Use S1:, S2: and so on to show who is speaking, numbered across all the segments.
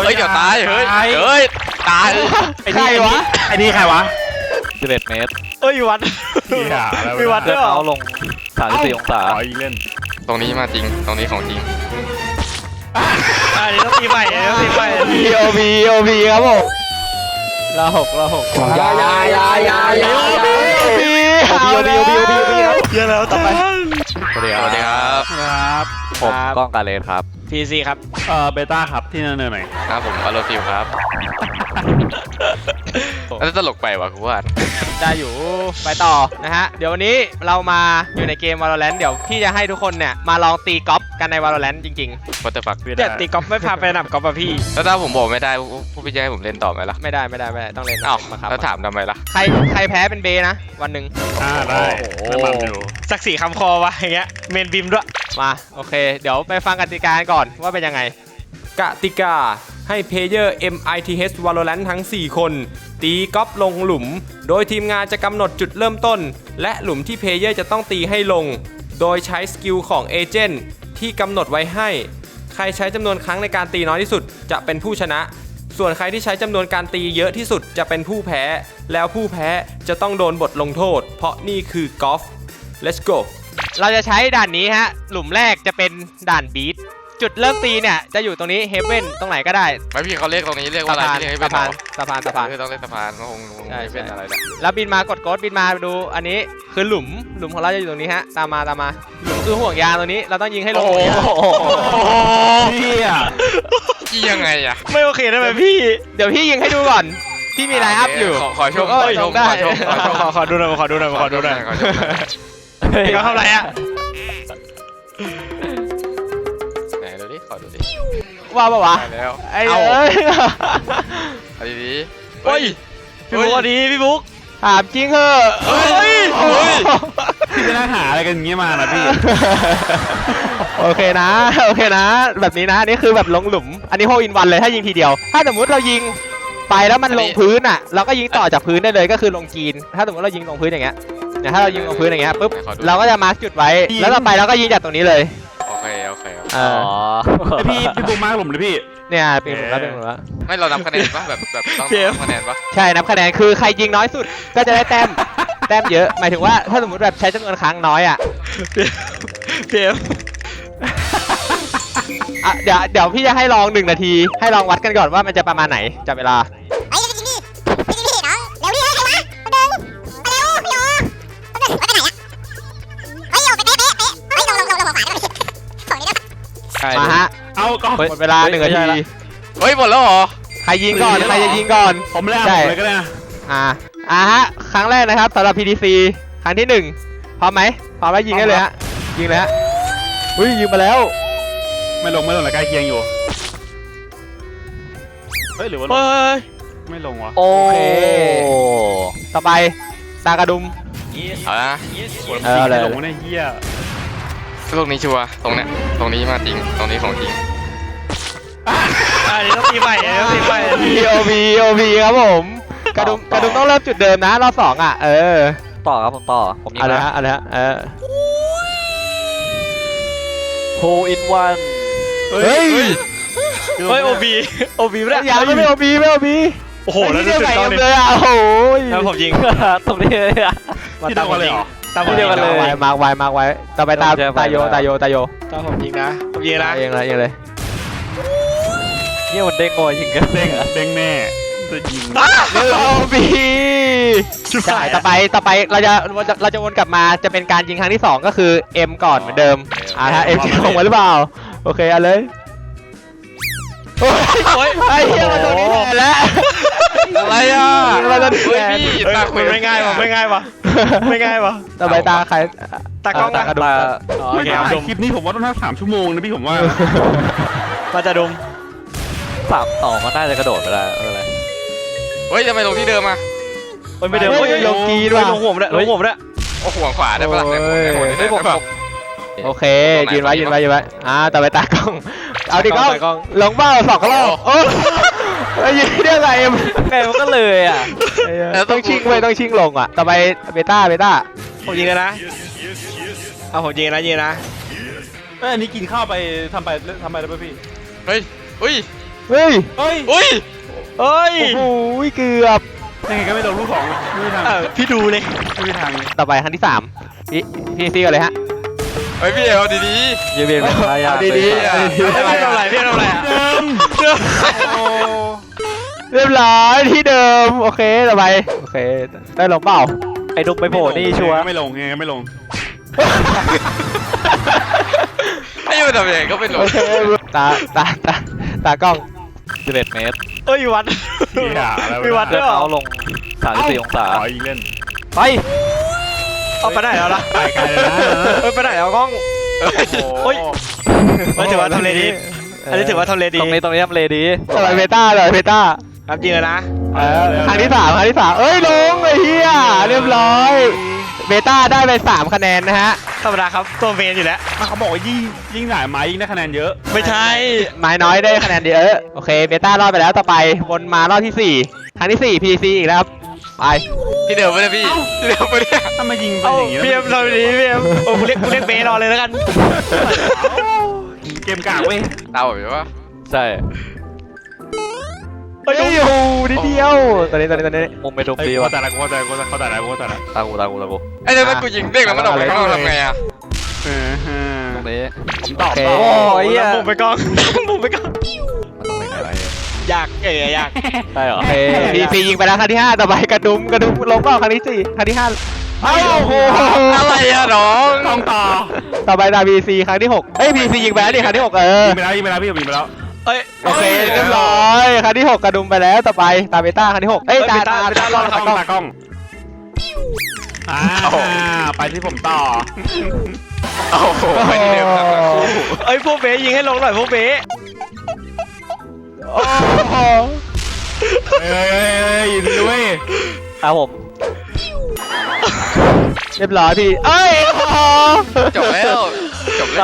S1: ฮ้ยเดี๋ยวตายเฮ้ยตาย
S2: ใครวะไอ้นี่ใครวะ
S3: 11 เมตร
S4: เอ้ยวัดมีวัด
S3: เดิ
S4: ด้วยเหรอ
S3: นเท้าลง34 องศา
S2: อีกเล่น
S1: ตรงนี้มาจริงตรงนี้ของจริง
S4: อันนี้ต้องตีใหม่อันนี้ต้องตีใหม่
S2: OB ครับผมละหกยา
S4: เยอะแล้วต่อไป
S1: สวัสดีครับ
S2: ครับ
S3: ผมก้องกาเลนครับ
S4: พีซีครับ
S2: เบต้าครับที่เนินๆหน่อย
S1: ครับผมบาโลฟิลครับแล้วตลกไปวะกูว่า
S4: ได้อยู่ไปต่อนะฮะเดี๋ยววันนี้เรามาอยู่ในเกม Valorant เดี๋ยวพี่จะให้ทุกคนเนี่ยมาลองตีกอล์ฟกันใน Valorant จริง
S1: วัตถุฟัก
S4: ๆเดี๋ยวตีกอล์ฟไม่พาไปหนับกอล์ฟป่ะพี่
S1: แล้วถ้าผมบอกไม่ได้พวกพี่จะให้ผมเล่นต่อไหมล่ะ
S4: ไม่ได้ต้องเล่น
S1: อ้าว
S4: มาครับ
S1: แล้วถามทำไมล่ะ
S4: ใครแพ้เป็นเบนะวันหนึ่ง
S2: ได้ไม่มันอยู่
S4: สักสี่คำคอวะอย่างเงี้ยเมนบิมด้วยมาโอเค เดี๋ยวไปฟังกติกาก่อนว่าเป็นยังไง
S5: กติกาให้เพลเยอร์ MITH Valorant ทั้ง 4 คน ตีกอล์ฟลงหลุม โดยทีมงานจะกำหนดจุดเริ่มต้น และหลุมที่เพลเยอร์จะต้องตีให้ลง โดยใช้สกิลของเอเจนต์ที่กำหนดไว้ให้ ใครใช้จำนวนครั้งในการตีน้อยที่สุดจะเป็นผู้ชนะ ส่วนใครที่ใช้จำนวนการตีเยอะที่สุดจะเป็นผู้แพ้ แล้วผู้แพ้จะต้องโดนบทลงโทษ เพราะนี่คือกอล์ฟ Let's go
S4: เราจะใช้ด่านนี้ฮะหลุมแรกจะเป็นด่านบีทจุดเริ่มตีเนี่ยจะอยู่ตรงนี้เฮเว่นตรงไหนก็ได้
S1: ไม่พี่เขาเรียกตรงนี้เรียกว่าอะไรพี่เรียกให้เป็น
S4: สะพาน
S1: คือต้องเล่นสะพานก็คงไม่เป็นอะไรแหละ
S4: แล้วบินมากดโกดบินมาดูอันนี้คือหลุมของเราจะอยู่ตรงนี้ฮะตามมาหลุมคือห่วงยางตรงนี้เราต้องยิงให้ลงห่วงยาง
S2: พี่อ่ะ
S1: พี่ยังไงอะ
S4: ไม่โอเคได้ไหมพี่เดี๋ยวพี่ยิงให้ดูก่อนพี่มีไลน์อัพอยู่
S1: ขอชม
S4: ได้
S1: ขอดูหน่อย
S4: ขอดูหน่อยเขาทำอะไรอ่ะ
S1: ไหนดูดิขอดูดิ
S4: ว่าปะวะ
S1: ได้แล้ว
S4: ไอ้เอ้ย
S1: เอาดี
S4: เฮ้ยพี่บุ๊กดีพี่บุ๊กถามจริงเหอะ
S2: พี่ไปนั่งหาอะไรกันอย่างเงี้ยมานะพี่
S4: โอเคนะแบบนี้นะนี่คือแบบลงหลุมอันนี้โฮอินวันเลยถ้ายิงทีเดียวถ้าสมมุติเรายิงไปแล้วมันลงพื้นอ่ะเราก็ยิงต่อจากพื้นได้เลยก็คือลงกรีนถ้าสมมติเรายิงลงพื้นอย่างเงี้ยถ้าเรายิงลงพื้นอย่างเงี้ยปุ๊บเราก็จะมาร์คจุดไว้แล้วต่อไปเราก็ยิงจากตรงนี้เลย
S1: โอเค
S3: อ๋อ
S2: พี่บูมมาผมเลยพี่
S4: เนี่ยเป็นหลุมแล้ว
S1: ไม่เรานับคะแนนปะแบบต้องนับคะแนนปะ
S4: ใช่นับคะแนนคือใครยิงน้อยสุดก็จะได้แต้มเยอะหมายถึงว่าถ้าสมมติแบบใช้จำนวนครั้งน้อยอ่ะเพียมเดี๋ยวพี่จะให้ลอง1 นาทีให้ลองวัดกันก่อนว่ามันจะประมาณไหนจับเวลา
S6: เฮ้ยจริงดิน้องเร็วดิใครวะคนเดินมาเร็วพี่โอคนเดินไปไหนอะเฮ้ยโอไปเป๊ะเฮ้ยลงขวาได้ไหมของนี้ได้ปะ
S4: มาฮะ
S2: เอาก่อน
S4: หมดเวลา1 นาที
S1: เฮ้ยหมดแล้วเหรอ
S4: ใครยิงก่อนใครจะยิงก่อน
S2: ผมเล่นเลยก็ได้นะ
S4: ฮะครั้งแรกนะครับสำหรับ PDC ครั้งที่1พร้อมไหมพร้อมแล้วยิงได้เลยฮะยิงเลยฮะอุ้ยยิงมาแล้ว
S2: ไม่ลงแล้วใกล้เคียงอยู่เฮ้ยหรือว่าไม่ลงวะ
S3: โอ้
S4: เค ต่อไปตากระดุม
S1: เอาละ
S4: เอาเลย
S2: ลงในเฮีย
S1: ตรงนี้ชัวร์ตรงเนี้ยตรงนี้มาจริงตรงนี้ของจริง
S4: อันนี้ต้องตีใหม่OB ครับผมกระดุมต้องเริ่มจุดเดิมนะรอบ2อ่ะ
S3: ต่อครับผมต่อผมยิง
S4: อะไร
S3: นะ
S4: ฮะอะไรฮะ
S3: โฮอินวัน
S4: เฮ้ย OB ไม่ได้ยังไม่ OB โอ้โหแล้วจุดเท่านี้เลยอ่ะโอ้โหแล้วผมยิง
S3: ตรงนี้เลยอ่ะ
S2: ที่เดียวกันเลยเหรอ
S4: ตามผมยิงกันเลยมาร์กไว้ต่อไปตาโยตามผมยิงนะผมยิงนะยิงเลย
S3: เนี่ยมันเด้งงอยยิงกัน
S2: เด้งแน่จะยิง
S4: OB ต่อไปเราจะวนกลับมาจะเป็นการยิงครั้งที่2ก็คือ M ก่อนเหมือนเดิมฮะ M จะลงมาหรือเปล่าโอเคเอาเลยโอ้ยไอ้เหี้ยมาตรงนี้แทนแล้ว
S1: อะไรอ่ะ
S4: มาตรงนี้
S1: เฮ้ย
S4: แทน
S1: พี่ตาคุย
S4: ไม่ง่ายวะต่อไปตาใครตากล้อง
S3: ตา
S2: ไม่ถ่ายคลิปนี้ผมว่าต้องทั้ง3 ชั่วโมงนะพี่ผมว่า
S4: มาจะดม
S3: 3-2มันน่าจะกระโดดไปได้ไม่เป็นไร
S1: เฮ้ยทำไมลงที่เดิมอ่ะ
S4: ไม่เดิมลงกีด้วยลงหัวด้วย
S1: โอ้ห่วงขวาได้ปะล่ะ
S3: ไม่ผม
S4: โอเคยืนไว้ต่อไปตากล้องเอาดิกล้องลงเบ้า2 รอบโอ้ยยืนได้ไง
S3: ไงมันก็เลยอ่ะ
S4: ต้องชิงลงอ่ะต่อไปเบต้าผมยิงนะเอาผมยิงนะ
S2: อันนี้กินข้าวไปทำไปได้ป่ะพี่
S1: เฮ้ย
S4: เฮ้ย
S2: เฮ้ย
S1: อุ้ย
S2: เฮ้ย
S4: โอ้โหเกือบ
S2: ยังไงก็ไม่ลงลูกสองไม่มีทางพี่ดูเลยไม่มีทางเลย
S4: ต่อไปครั้งที่3พี่ซีกันเลยฮะ
S1: เฮ้ยพี่เอาดี
S3: เยี่ยมเลยทายา
S4: เอาดีๆ
S3: เลย
S2: พี่ทำอะไรพี่ทำอะไรอะ
S4: เรียบร้อยที่เดิมโอเคต่อไปโอเคได้ลงเปล่า
S3: ไอ้ดุกไปโผล่นี่ชัวร์
S2: ไม่ลงยังไงก็ไม่ลง
S1: ๆไม่รู้ทำยังไงก็ไม่รู้
S4: โอเคตากล้อง
S3: 11 เมตร
S2: เอ้ยวัดมีวัดด้วยเหรอ
S3: เขาลง34 องศา
S2: ขออีกเล่น
S3: ไป
S2: เอาไปไหนแล้วล่ะไปไกลเลยนะไปไหนแล้วกล้องโอ้ยไม่ถือว่าทำเลดีอันนี้ถือว่าทำเลดี
S3: ตรงนี้ทำเลดี
S4: ต่อไปเบต้าเลยเบต้า
S2: ครับจริงเลยนะ
S4: ครั้งที่3เอ้ยลงไอ้เหี้ยเรียบร้อยเบต้าได้ไป3คะแนนนะฮะ
S2: ธรรมดาครับตัวเมนอยู่แล้วเขาบอกว่ายิ่งหลายไม้ยิ่งได้คะแนนเยอะ ไม่ใช่
S4: ไม้น้อยได้คะแนนเยอะโอเคเบต้ารอดไปแล้วต่อไปวนมารอบที่4ครั้งที่4 PC อีกแล้วครับไป
S1: พี่เดิมไม่ได้พี่พี่เดิมไม่ได้
S2: ถ้ามายิงเป็นอย่างนี้พี่เอ็มทำดีพี่เอ็มโอ้กูเรียกเบรอเลยแล้วกันเกมกากเว้ย
S1: เตาแบบว่า
S3: ใช่
S4: เฮ้ยโอ้โหนิดเดียวตอนนี้
S3: มุมไปดุกดี
S2: กู
S3: ว่ะ
S2: แต่ละกูแต่ละกูแต่ละกูแต่ละ
S3: ตากู
S1: ไอ้เดี๋ยวถ้ากูยิงเด้งแล้วมันออกไปข้างนอกทำไงอ่ะ
S3: ตรงนี้
S2: ผมตอบ
S3: โอ้ย
S2: มุมไปกล้องมุมไปกล้อง
S3: มันตรงไหนอะไร
S2: อยากอยาก
S3: ได้เหรอ
S4: โอเค PC ยิงไปแล้วครั้งที่5ต่อไปกระดุมลงเปล่าครั้งที่4ครั้งที่5เอ้าโอ้โห
S1: อะไรอะน้อง
S2: ต้องต่อ
S4: ต่อไปตาม PC ครั้งที่6เอ้ย PC ยิงไปแล้วดิครั้งที่6
S2: ยิงไปแล้วพี่ยิงไปแล้วเอ้ย
S4: โอเคเรียบร้อยครั้งที่6กระดุมไปแล้วต่อไปตามเบต้าครั้งที่6เอ้ยตารอด
S2: ตากล้องไปที่ผมต่อ
S1: โอ้โหไม่ได้เดิมทั้งคู่
S2: เอ้ยพวกเบยิงให้ลงหน่อยพวกเบ
S4: โอ้โห
S2: เอ้ยยิงด้วย
S3: ครับผม
S4: เรียบร้อยพี่เอ้ยโอ้โห
S1: จบแล้วจบแล้ว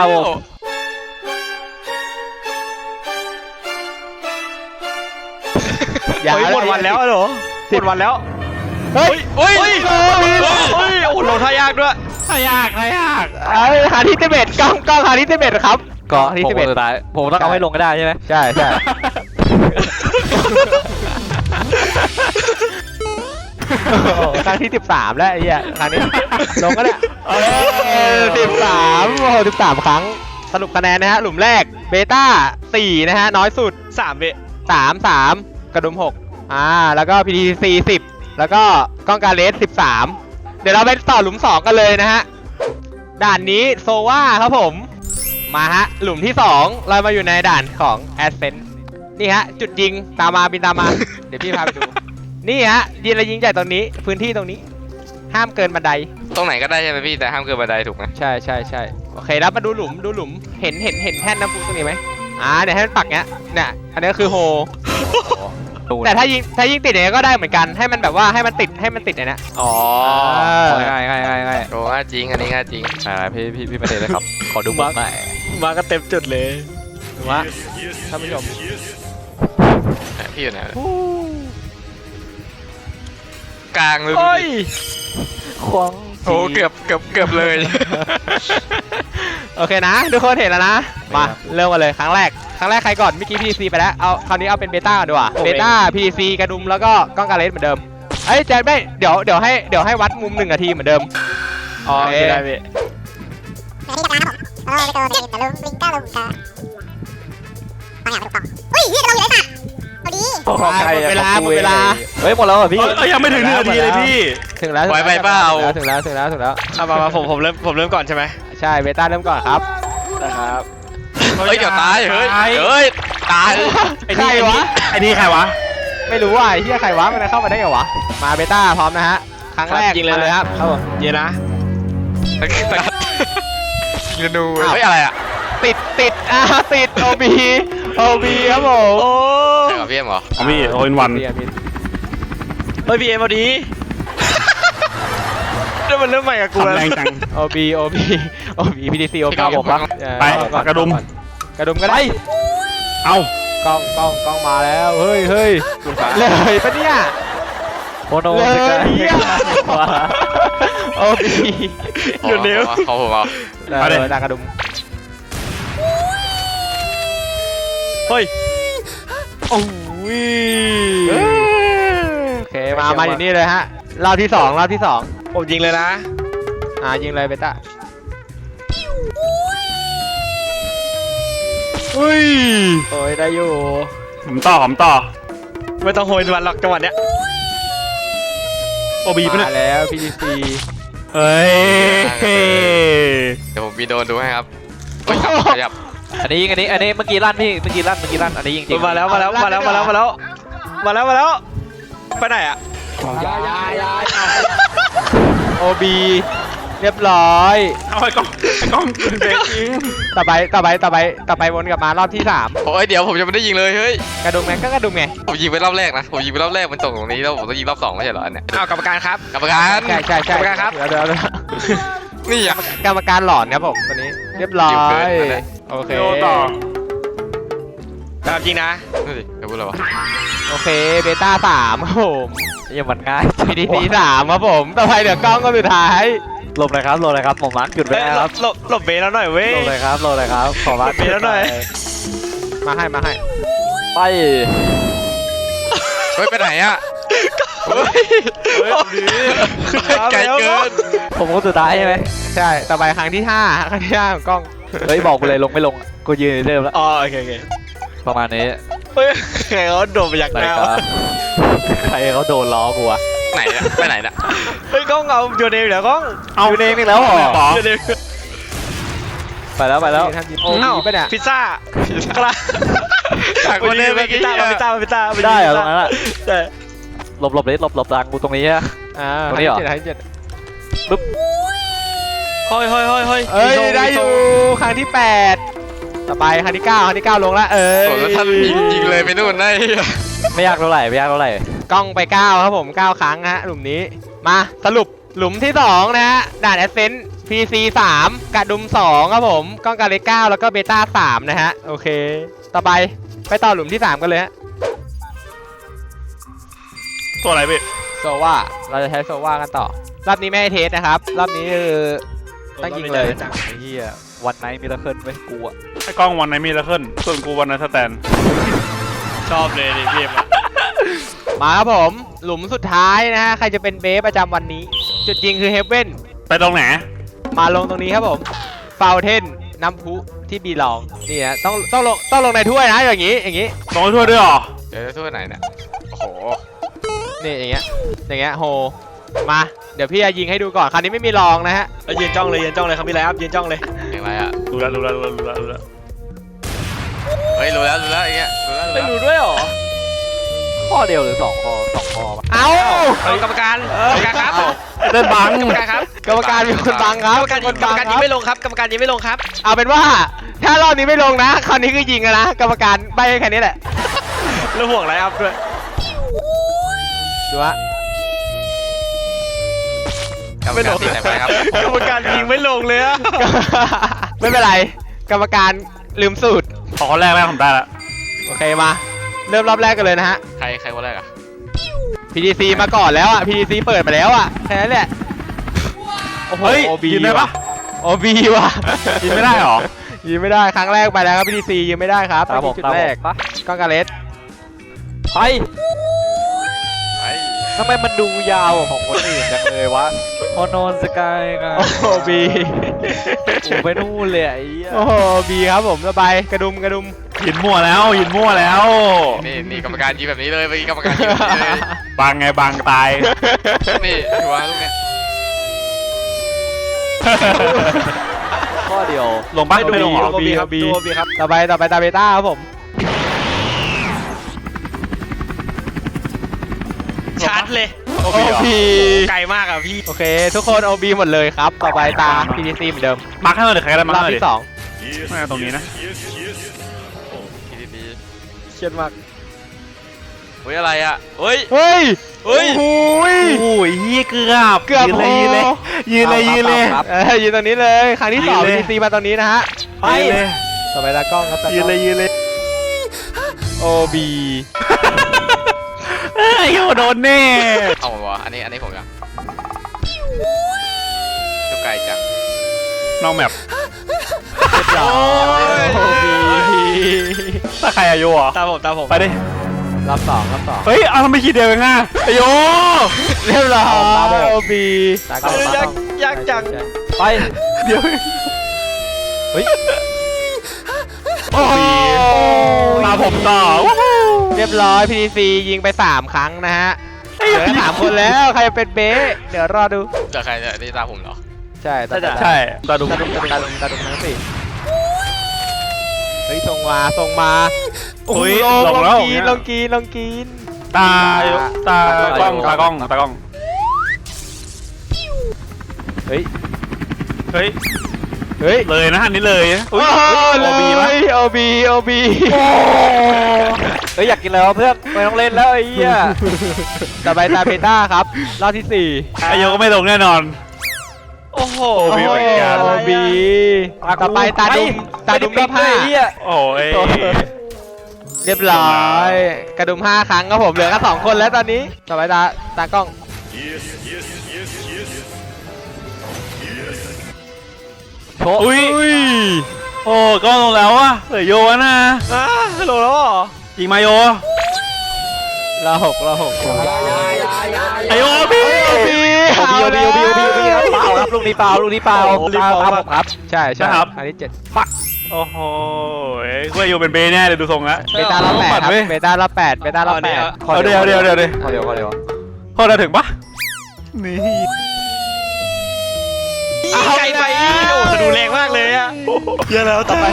S2: เฮ้ยหมดวันแล้วเหรอหมดวันแล้ว
S4: เฮ้ย
S1: เฮ้ย
S2: เฮ้ยโอ้โหลงท่ายากด้วยท่ายาก
S4: เอ้ยหาที่11กล้องหาที่11ครับก็ที่
S3: ผมสุดท้ายผมต้องเอาให้ลงก็ได้ใช่ไหม
S4: ใช่ครั้งที่13แล้วไอ้เหี้ยครั้งนี้ลงก็ได้13โอ้โห13ครั้งสรุปคะแนนนะฮะหลุมแรกเบต้า4นะฮะน้อยสุด
S2: 3เบ
S4: 3กระดุม6แล้วก็ PTC 10แล้วก็กล้องการเลส13เดี๋ยวเราไปต่อหลุม2กันเลยนะฮะด่านนี้โซวาครับผมมาฮะหลุมที่2เรามาอยู่ในด่านของ Ascent นี่ฮะจุดยิงตามมาบินตามมา เดี๋ยวพี่พาไปดูนี่ฮะยิงระยิงใหญ่ตรงนี้พื้นที่ตรงนี้ห้ามเกินบันได
S1: ตรงไหนก็ได้ใช่ไหมพี่แต่ห้ามเกินบันไดถูกไหม
S4: ใช่โอเคแล้วมาดูหลุมเห็นแท่นน้ำพุตรงนี้ไหมเนี่ยให้มันปักเนี้ยเนี่ยอันนี้ก็คือโฮแต่ถ้ายิงติดอย่างนี้ก็ได้เหมือนกันให้มันแบบว่าให้มันติดในนี้
S1: อ๋อ
S3: ง่าย
S1: โอ้ง่ายจริงอันนี้ง่ายจริง
S3: พี่ไม่ได้เลยครับ ขอดูมุมหน่อย
S2: มาก็เต็มจุดเลย
S4: ว่าท่านผู้ชม
S1: พี่อยู่ไหนกลางเลย
S2: โอ้ย
S3: ควง
S1: โอ้เกือบเลย
S4: โอเคนะทุกคนเห็นแล้วนะมาเริ่มกันเลยครั้งแรกใครก่อนเมื่อกี้ PTC ไปแล้วเอาคราวนี้เอาเป็นเบต้าก่อนดีกว่าเบต้า PTC กระดุมแล้วก็กล้องการเลสเหมือนเดิมเอ้ยแจ็คไม่เดี๋ยวให้วัดมุม1 นาทีเหมือนเดิม
S2: อ๋อได้พี่
S6: ไปที่กลางครับผมเราไปตัวลิงก้าลงกาไปหาไปดูกล่องอุ้ยนี่เราอยู่ในสัตว์พอดี
S4: เวลา
S3: เฮ้ยหมดแล้วเหรอพี่
S2: ยังไม่ถึง1 นาทีเลยพี่
S4: ถึงแล้ว
S1: ไว้ไปเปล่า
S4: ถึงแล้ว
S2: มาผมเริ่มก่อนใช่ไหม
S4: ใช่เบต้าเริ่มก่อนครับ
S2: นะครับ
S1: เฮ้ยเดี๋ยวตายเฮ้ยตาย
S4: ใครวะ
S2: ไอ้นี่ใครวะ
S4: ไม่รู้ว่าไอ้เหี้ยใครวะมันเข้ามาได้ไงวะมาเบต้าพร้อมนะฮะครั้งแรก
S2: ยิงเลย
S4: มาเลยครับครับผม
S2: เย็นนะ
S1: ยิงนูเฮ้ยอะไรอ่ะ
S4: ติดติดโอบีครับผม
S2: โอ้
S1: ใช่กับพี่เอ็มเหรอ
S2: ของพี่โอ้ยวันเฮ้ยพี่เอ็มพอดีเดี๋ยวมันเริ่มใหม่กับกูแล้วแรงจัง
S4: โอบีพีดีซีโอบี
S3: ครับผม
S2: ไปกระดุม
S4: ก็ได้
S2: เอ้าก
S4: ล้องมาแล้วเฮ้ยเลยปะเนี่ย
S3: โมโน
S4: เลย
S3: สกาย
S4: เนี่ยโอบี
S2: อยู่เร็ว
S1: เขาผมเอา
S4: ดากระดุม
S2: เฮ้ยโอ้ย
S4: โอเคมาอยู่นี่เลยฮะรอบที่สองรอบที่สอง
S2: ผมยิงเลยนะ
S4: ยิงเลยเบต้า
S2: อุ้ย
S3: โอ้ยได้อยู่
S7: ผมต่อ
S2: ไม่ต้องโหยวันหรอกจังหวะเนี้ย
S7: โอบีปะเนี่ย
S4: มาแล้ว PDC
S7: เฮ้ย
S1: เดี๋ยวผมมีโดนดูให้ครับขยับ
S3: อันนี้เมื่อกี้ลั่นพี่เมื่อกี้ลั่นอันนี้ยิงจริง
S2: มาแล้วไปไหนอ่ะ
S4: OB เรียบร้อย
S7: เอาไอ้กล้องเบรกยิง
S4: ต่อไปวนกลับมารอบที่สาม
S1: โอ้ยเดี๋ยวผมยังไม่ได้ยิงเลยเฮ้ย
S4: กระดุมไงก็กระดุมไง
S1: ผมยิงไปรอบแรกนะผมยิงไปรอบแรกมันตกตรงนี้แล้วผมต้องยิงรอบ2ไม่ใช่เหรออันเนี้ย
S2: อ้าวกรรมการครับ
S1: กรรมการ
S4: ใช่
S2: กรรมการครับ
S4: เดี๋ยว
S1: นี่อ่ะ
S4: กรรมการหลอนครับผมวันนี้เรียบร้อ
S1: จิ้มเกิ
S4: ย
S1: นอันนั้น
S4: โอเค
S7: โยต่อ
S2: แบบจริงนะ
S1: นี่ดิจะพูดอะไรวะ
S4: โอเคเบต้าสามครับผม
S3: ยังมันง่าย
S4: PDC สามครับผมต่อไปเดี๋ยวกล้องก็สุดท้าย
S3: หลบเลยครับผมมาร์คหยุดไว้
S2: เอ้ย
S3: นะครับ
S2: หลบเบสแล้วหน่อยเว้ย
S3: หลบเลยครับขอมาร์ค
S2: มีแล้วหน่อย
S4: มาให้
S3: ไป
S1: เฮ้ยไปไหนอ่ะเฮ้ยไกลเกิน
S3: ผมคนสุดท้ายใช่ไหม
S4: ใช่ต่อไปครั้งที่ห้าของกล้อง
S3: เฮ้ยบอกกูเลยลงไม่ลงอะกูยืนเริ่มแล้ว
S2: อ๋อโอเค
S3: ประมาณนี้
S2: เฮ้ยใครเขาโดนไปอยาก
S3: ไหน
S2: หน้า
S3: ครับใครเขาโดนล้อกูอะ
S1: ไหนอ่ะไปไหนน่ะ
S2: เฮ้ยกล้องเอาโยนเองเดี๋ยวกล้อง
S3: เอาเองอีกแล้วเหรอ
S2: โยนเอง
S3: ไปแล้ว
S4: ทำยิม
S2: อ้าว
S4: ไปเนี่ย
S2: พิซซ่าครับ
S1: จากคนเล่นเมื่อกี้
S2: พิซซ่า
S3: ไม่ได้เหรอตรงนั้นอะ
S2: ใช่
S3: หลบเลยหลบทางกูตรงนี้อะ ตรงนี้เหรอ
S4: ครั้งที่เจ็ด
S2: เฮ้ย
S4: เอ้ยได้อยู่ครั้งที่แปดต่อไปครั้งที่เก้าลงละ
S1: โอ้แล้วท่านยิงเลยไปนู่นได้
S3: ไม่ยากเท่าไหร่
S4: กล้องไป9ครับผม9ครั้งฮะหลุมนี้มาสรุปหลุมที่2นะฮะด่านแอสเซนต์ PC 3กระดุม2ครับผมกล้องกาเล9แล้วก็เบต้า3นะฮะโอเคต่อไปต่อหลุมที่3กันเลยฮะ
S7: ตัวอะไรพี่
S4: โซว่าเราจะใช้โซว่ากันต่อรอบนี้ไม่ให้เทสนะครับรอบนี้คือต้องยิงเลย
S3: ไอ้เหี้ยวันไนท์มิราเคิลไว้กูอะ
S7: ไอ้กล้องวันไหนมีละขึ้นส่วนกูวันไหนสแตน
S2: ชอบเลยดิเกมอ่ะ
S4: มาครับผมหลุมสุดท้ายนะฮะใครจะเป็นเบสประจำวันนี้ จุดยิงคือเฮฟเว่น
S7: ไปตรงไหน
S4: มาลงตรงนี้ครับผมฟาวเทนน้ำพุที่บีลองนี่นะต้องลงในถ้วยนะอย่างนี้
S7: ลงให้ทั่วด้วยเหรอ
S1: เดี๋ยวจะทั่วไหนเนี่ยโอ้โห
S4: นี่อย่างเงี้ยโฮมาเดี๋ยวพี่จะยิงให้ดูก่อนคราวนี้ไม่มีลองนะฮะ
S2: ยืนจ้องเลยครับพี่ไรครับยืนจ้องเลย
S1: อย่างไรอ่ะ
S7: รู้แล้ว
S1: เฮ้ยรู้แล้วอย่างเงี้ยรู้แล้ว
S2: ไม่รู้ด้วยหรอ
S3: ข้อเดียวหรือ2 ข้อปะ
S4: เอ้า
S2: กรรมการครับ
S7: เดินบัง
S2: กรรมการครับ
S4: กรรมการมีคนบังครับ
S2: กรรมการยิงไม่ลงครับกรรมการยิงไม่ลงครับ
S4: เอาเป็นว่าถ้ารอบนี้ไม่ลงนะคราวนี้คือยิงแล้วนะกรรมการใบให้แค่นี้แหละ
S2: แล้วห่วงไรครับด้วย
S4: ดูฮะ
S1: กรรมการติดไหนไปครับ
S2: กรรมการยิงไม่ลงเลยอะ
S4: ไม่เป็นไรกรรมการลืมสูตร
S7: ขอคนแรกผมได้ละ
S4: โอเคมาเริ่มรอบแรกกันเลยนะฮะ
S1: ใครคนแรกอ่ะ
S4: PDC มาก่อนแล้วอ่ะ PDC เปิดมาแล้วอ่ะแค่นั้นแหละโอ้โห
S7: เฮ้ย
S4: OB
S7: ยืนได้ปะ
S4: OB ว่ะ
S7: ยืนไม่ได้เหรอ
S4: ยืนไม่ได้ครั้งแรกไปแล้วครับ PDC ยืนไม่ได้ครับ
S3: ตามผม
S4: จุด
S3: ตาม
S4: แร
S3: ผ
S4: ก
S3: มปะ
S4: กล้องกาเลส
S3: ไป
S1: ไป
S3: ทำไมมันดูยาวกว่าของคนอื่นจังเลยวะโอโนนสกายกัน
S4: โอ้โห B
S3: โอ้ไปนู่นเลยไอ้เหี้ย
S4: โอ้โห B ครับผมระบายกระดุม
S7: ยินมั่วแล้ว
S1: นี่กรรมการยิงแบบนี้เลยเมื่อกี้กรรมการยิงแบบนี้เลย
S7: บังไงบังตาย
S1: นี่ถือว่าลูกเนี้ย
S3: ข้อเดียว
S7: ลงบ้างไม่ลงเหรอ
S2: โอบีครับดูโอบีครับ
S4: ต่อไปตาเบต้าครับผม
S2: ชาร์จเลย
S4: OB
S2: ไกลมากอะพี่
S4: โอเค ทุกคน OB หมดเลยครับ ต่อไปตา PDC เหมือนเดิม
S7: มาร์คให้หน่อยเดี๋ยวใครก็ได้มาร์
S4: ร
S7: ค
S4: อบ
S7: ให้หน่อย
S4: ที่
S7: ดิ
S4: สอง
S7: ไม่ตรงนี้นะ
S1: ดี
S2: เครียดมาก
S1: เฮ้ยอะไรอ่ะเฮ้ย
S4: เฮ้ย
S1: เฮ้ย
S4: โอ้ย
S7: โอ้ยเฮียเกือบ
S4: เกือบ
S7: ยืนเลย
S4: พอ
S7: ยืนเลย
S3: ครับ
S4: ยืนตรงนี้เลยครั้งที่สอง
S7: ยืนเลย
S4: PDC มาตรงนี้นะฮะ
S7: ไปเลย
S4: ต่อไปตากล้องครับตาก
S7: ยื
S4: ล้
S7: น
S4: อง
S7: เลย
S4: OB
S7: เฮ้ยโดนแน่
S1: เอาหมดวะอันนี้ผมยังดูไกลจัง
S7: น้องแมป
S4: OB
S7: ถ้าใครอายุอ่ะ
S2: ตามผม
S7: ไปดิ
S4: รอบสอง
S7: เฮ้ยเอาทำไมคิดเดียวเองอ่ะไอโย
S4: เรียบร้อยโอบี
S3: ตากล้อง
S2: ยากจัง
S3: ไป
S7: เดี๋ยว
S4: โอ้โห
S7: มาผมต่อวู้ฮู้
S4: เรียบร้อย PDC ยิงไป3ครั้งนะฮะเหลือแค่3คนแล้วใครเป็นเบ๊ะเดี๋ยวรอดู
S1: จะใครจะนี่ตาผมเหรอ
S4: ใช่ตา
S7: ใช่ตาดุ
S4: ตาดุทั้งสี่เฮ้ยส่งมาโอ้โห
S7: เฮ้ย
S4: ล
S7: ลงแล้ว
S4: งกิน
S7: ตากล้อง
S4: เฮ้ย
S7: เฮ้ย
S4: เฮ้ย
S7: เลยนะอันนี้เลย
S4: โอ้
S7: โอบีปะ
S4: โอบี
S3: เฮ้ยอยากกินแล้วะเพื่อนไม่ต้องเล่นแล้วไอ้เหี้ย
S4: ต่อไปตาเพต้าครับรอบที่
S7: ไอโยก็ไม่ลงแน่นอน
S2: โอ้โห
S4: 4
S7: โอบีเหมือนกัน
S4: โอบีต่อไปตาดุมรอบ
S3: ไอ้เหี้ย
S7: โอ้ย
S4: 5เรียบร้อยกระดุม5ครั้งครับผมเหลือแค่2คนแล้วตอนนี้ต่อไปตากล้อง
S3: โชว์
S7: อุ้ยโอ้ก็ลงแล้วอ่ะเหลือโยวะนะ
S2: ฮัลโหลแล้วเหรอ
S7: ยิงมาโย
S4: รอหก
S7: ไอโยพี่
S4: โอบี
S3: โอบีเปล่าครับลูกนี้เปล่าตามผมครับ
S4: ใช่
S7: นะครับ
S4: อันนี้7
S7: โอ้โหกูโยเป็นเบแน่เลยดูทรงแล้ว
S4: เบต้ารอบ8ครับเบต้ารอบ8
S7: เอาเดี๋ยว
S3: ขอเดียว
S7: พอเราถึงปะนี่
S2: ไกลไปโอ้จะดูแรงมากเลยอะ
S7: เยอะแล้วต่อไป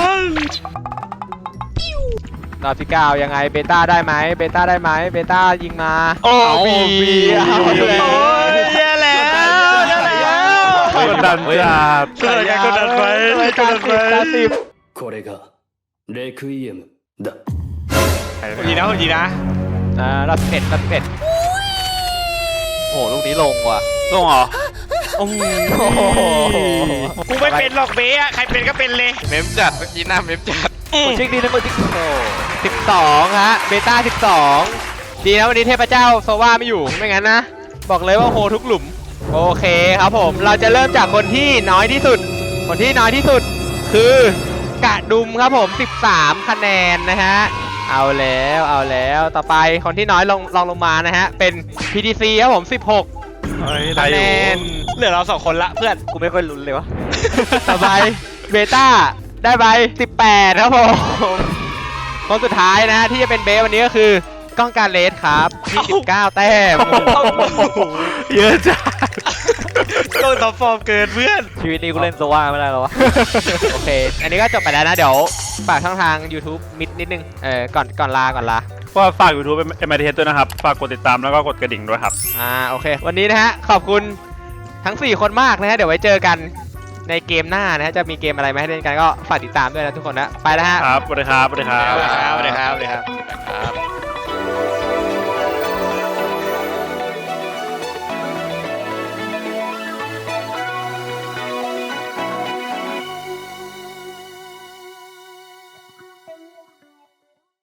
S4: รอบที่9ยังไงเบต้าได้ไหมเบต้ายิงมาโอบี
S2: โอ้ยแย่แล้ว
S7: กดดันจัด
S2: เกิดการกดดันไปกดดันไป
S8: これがレクイエムだ。
S2: ดีนะดีนะ
S4: รอบ11
S3: โอ้โหลูกนี้ลงว่ะ
S7: ลงเหรอ
S2: กูไม่เป็นหรอกเบ๊อะใครเป็นก็เป็นเลย
S1: เมมจัดเมื่อกี้หน้าเมมจัด
S3: จริงดีนะจริงโอ้
S4: 12ฮะเบต้า12ดีนะวันนี้เทพเจ้าโซวาไม่อยู่ไม่งั้นนะบอกเลยว่าโหทุกหลุมโอเคครับผมเราจะเริ่มจากคนที่น้อยที่สุดคือกระดุมครับผม13คะแนนนะฮะเอาแล้วต่อไปคนที่น้อยลงมานะฮะเป็น PDC ครับผม16คะแนน
S2: เหลือเรา2คนละเพื่อน
S3: กูไม่ค่อยลุ้นเลยวะ
S4: ต่อไปเบต้าได้ไป18ครับผมคนสุดท้ายนะที่จะเป็นเบสวันนี้ก็คือกล้องการเลสครับ29แต้ม
S7: เยอะจัด
S2: ก็ท็อปฟอร์มเกินเพื่อน
S3: ชีวิตนี้กูเล่นโซว่าไม่ได้แล้ววะ
S4: โอเค อันนี้ก็จบไปแล้วนะ เดี๋ยวฝากช่องทาง YouTube นิดนึง ก่อนลา
S7: ก็ฝาก YouTube เป็น MITH ด้วยนะครับ ฝากกดติดตามแล้วก็กดกระดิ่งด้วยครับ
S4: โอเค วันนี้นะฮะ ขอบคุณทั้ง 4 คนมากนะฮะ เดี๋ยวไว้เจอกันในเกมหน้านะฮะ จะมีเกมอะไรมาให้เล่นกันก็ฝากติดตามด้วยนะทุกคนนะ ไปแล้วฮะ
S7: ครับ สวัสดีครับ สวัสดีครับ
S2: สวัสดีครับ
S1: ครับ